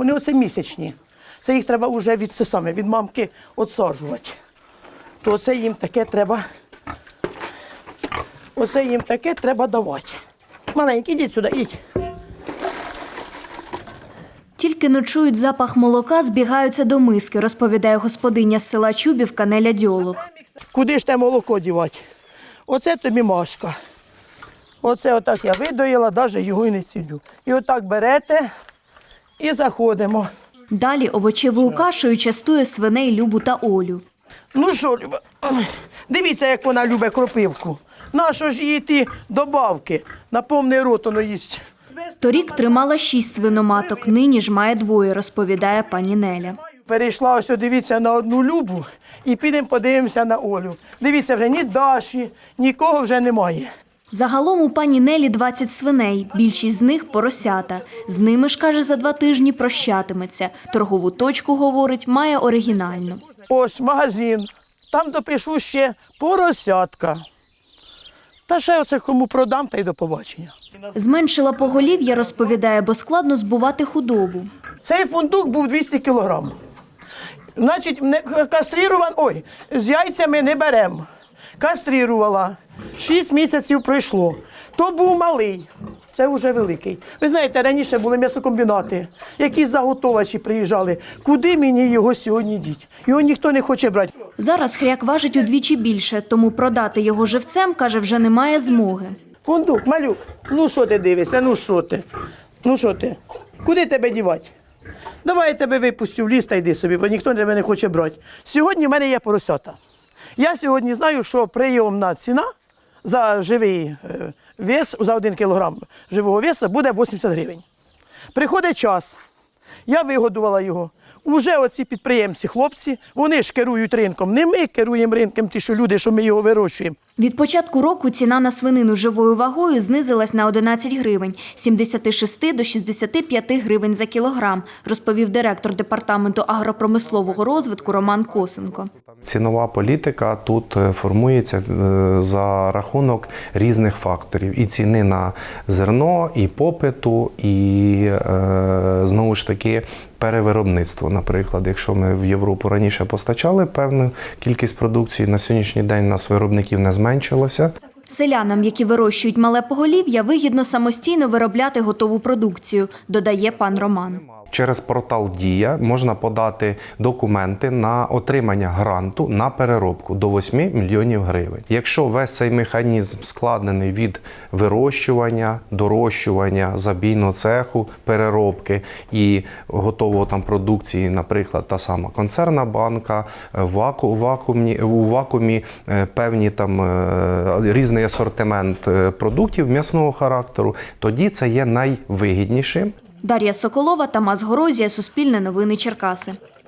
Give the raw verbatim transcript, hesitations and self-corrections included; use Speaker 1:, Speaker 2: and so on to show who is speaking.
Speaker 1: вони оце місячні. Це їх треба вже від, це саме, від мамки відсаджувати. То це їм таке треба, оце їм таке треба давати. Маленький, ідіть сюди, ідіть.
Speaker 2: Тільки ночують запах молока, збігаються до миски, розповідає господиня з села Чубівка Неля Дьолух.
Speaker 1: Куди ж те молоко дівати? Оце тобі Машка. Оце отак я видоїла, навіть його і не цілю. І отак берете і заходимо.
Speaker 2: Далі овочевою кашею частує свиней Любу та Олю.
Speaker 1: Ну що, Люба, дивіться, як вона любить кропивку. Нащо ж їй ті добавки? На повний рот воно їсть.
Speaker 2: Торік тримала шість свиноматок, нині ж має двоє, розповідає пані Неля.
Speaker 1: Перейшла ось, дивіться, на одну Любу і підемо подивимося на Олю. Дивіться, вже ні Даші, нікого вже немає.
Speaker 2: Загалом у пані Нелі двадцять свиней, більшість з них – поросята. З ними ж, каже, за два тижні прощатиметься. Торгову точку, говорить, має оригінальну.
Speaker 1: Ось магазин, там допишу ще поросятка. Та ще оце кому продам, та й до побачення.
Speaker 2: Зменшила поголів'я, розповідає, бо складно збувати худобу.
Speaker 1: Цей фундук був двісті кілограм. Значить, не кастрируван, ой, з яйцями не беремо. Кастрирувала. Шість місяців пройшло. То був малий, це вже великий. Ви знаєте, раніше були м'ясокомбінати, якісь заготовачі приїжджали. Куди мені його сьогодні діть? Його ніхто не хоче брати.
Speaker 2: Зараз хряк важить удвічі більше, тому продати його живцем, каже, вже немає змоги.
Speaker 1: Фундук, малюк, ну що ти дивишся, ну що ти? Ну що ти? Куди тебе дівати? Давай я тебе випустю в ліс та йди собі, бо ніхто тебе не хоче брати. Сьогодні в мене є поросята. Я сьогодні знаю, що прийомна ціна за живий вес, за один кілограм живого весу буде вісімдесят гривень. Приходить час, я вигодувала його. Уже оці підприємці, хлопці, вони ж керують ринком. Не ми керуємо ринком, ті, що люди, що ми його вирощуємо.
Speaker 2: Від початку року ціна на свинину живою вагою знизилась на одинадцять гривень – з сімдесяти шести до шістдесяти п'яти гривень за кілограм, розповів директор департаменту агропромислового розвитку Роман Косенко.
Speaker 3: Цінова політика тут формується за рахунок різних факторів. І ціни на зерно, і попиту, і, знову ж таки, перевиробництво. Наприклад, якщо ми в Європу раніше постачали певну кількість продукції, на сьогоднішній день у нас виробників не зменшилося.
Speaker 2: Селянам, які вирощують мале поголів'я, вигідно самостійно виробляти готову продукцію, додає пан Роман.
Speaker 3: Через портал «Дія» можна подати документи на отримання гранту на переробку до восьми мільйонів гривень. Якщо весь цей механізм складений від вирощування, дорощування, забійного цеху, переробки і готового там продукції, наприклад, та сама консервна банка, ваку, вакуумні, у вакуумі певні там різний асортимент продуктів м'ясного характеру, тоді це є найвигіднішим.
Speaker 2: Дар'я Соколова, Тамас Горозія, Суспільне новини Черкаси.